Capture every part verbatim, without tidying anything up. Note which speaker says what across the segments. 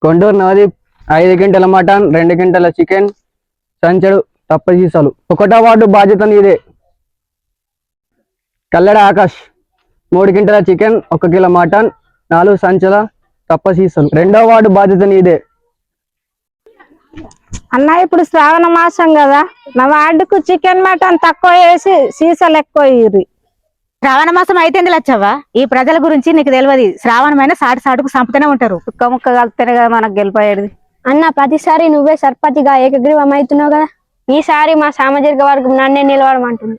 Speaker 1: కొండూరు నవదీప్ ఐదు గంటల మటన్, రెండు గంటల చికెన్, సంచడు తప్పసీసాలు. ఒకటో వార్డు బాధ్యత నీదే. కల్లెడ ఆకాష్ మూడు గంటల చికెన్, ఒక కిలో మటన్, నాలుగు సంచల తప్పసీసాలు. రెండో వార్డు బాధ్యత నీదే.
Speaker 2: అన్న ఇప్పుడు శ్రావణ మాసం కదా, నా వార్డుకు చికెన్ మటన్ తక్కువ వేసి సీసాలు ఎక్కువ ఇయ్యి.
Speaker 3: శ్రావణ మాసం అయితేంది లచ్చవ్వ, ఈ ప్రజల గురించి నీకు తెలియదు. శ్రావణమైన సాటి సాటుకు సంపుతూనే ఉంటారు.
Speaker 2: ముక్క ముక్క కలిపితేనే కదా మనకు గెలిపోయేది.
Speaker 4: అన్న ప్రతిసారి నువ్వే సర్పంచిగా ఏకగ్రీవం అవుతున్నావు కదా, ఈసారి మా సామాజిక వర్గం నన్నే నిలవడమంటుంది.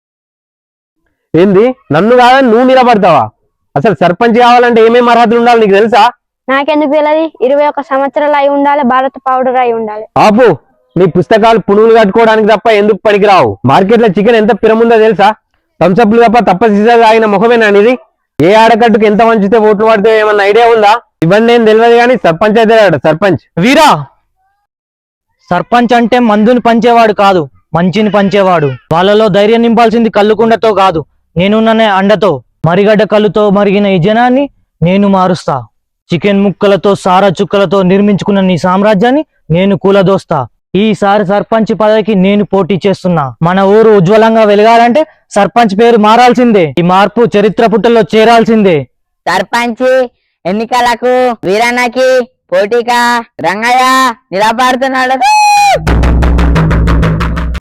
Speaker 5: ఏంది నన్ను కాదని నువ్వు నిలబడతావా? అసలు సర్పంచ్ కావాలంటే ఏమేమి అర్హతలు ఉండాలి నీకు తెలుసా?
Speaker 4: నాకెందుకు తెలియదు? ఇరవై ఒక్క సంవత్సరాలు అయి ఉండాలి, భారత పౌడర్ అయి ఉండాలి.
Speaker 5: ఆపు, నీ పుస్తకాలు పునుగులు కట్టుకోవడానికి తప్ప ఎందుకు పనికిరావు? మార్కెట్ లో చికెన్ ఎంత పిరముందో తెలుసా? థమ్సప్లు తప్ప తప్ప సీసాలు తాగిన ముఖమేనా ఇది? ఏ ఆడకట్టుకు ఎంత వంచితే ఓట్లు పడితే ఏమన్నా ఐడియా ఉందా? ఇవన్నీ ఏం తెలియదు కానీ సర్పంచ్ అయితే సర్పంచ్.
Speaker 6: వీరా, సర్పంచ్ అంటే మందుని పంచేవాడు కాదు, మంచిని పంచేవాడు. వాళ్ళలో ధైర్యం నింపాల్సింది కళ్ళుకుండతో కాదు, నేనున్ననే అండతో. మరిగడ్డ కళ్ళుతో మరిగిన ఈ జనాన్ని నేను మారుస్తా. చికెన్ ముక్కలతో సారా చుక్కలతో నిర్మించుకున్న నీ సామ్రాజ్యాన్ని నేను కూలదోస్తా. ఈసారి సర్పంచ్ పదవికి నేను పోటీ చేస్తున్నా. మన ఊరు ఉజ్వలంగా వెలగాలంటే సర్పంచ్ పేరు మారాల్సిందే. ఈ మార్పు చరిత్ర పుటల్లో చేరాల్సిందే.
Speaker 3: సర్పంచ్ ఎన్నికలకు వీరన్నకి పోటీగా రంగయ్య నిలబడుతున్నాడు.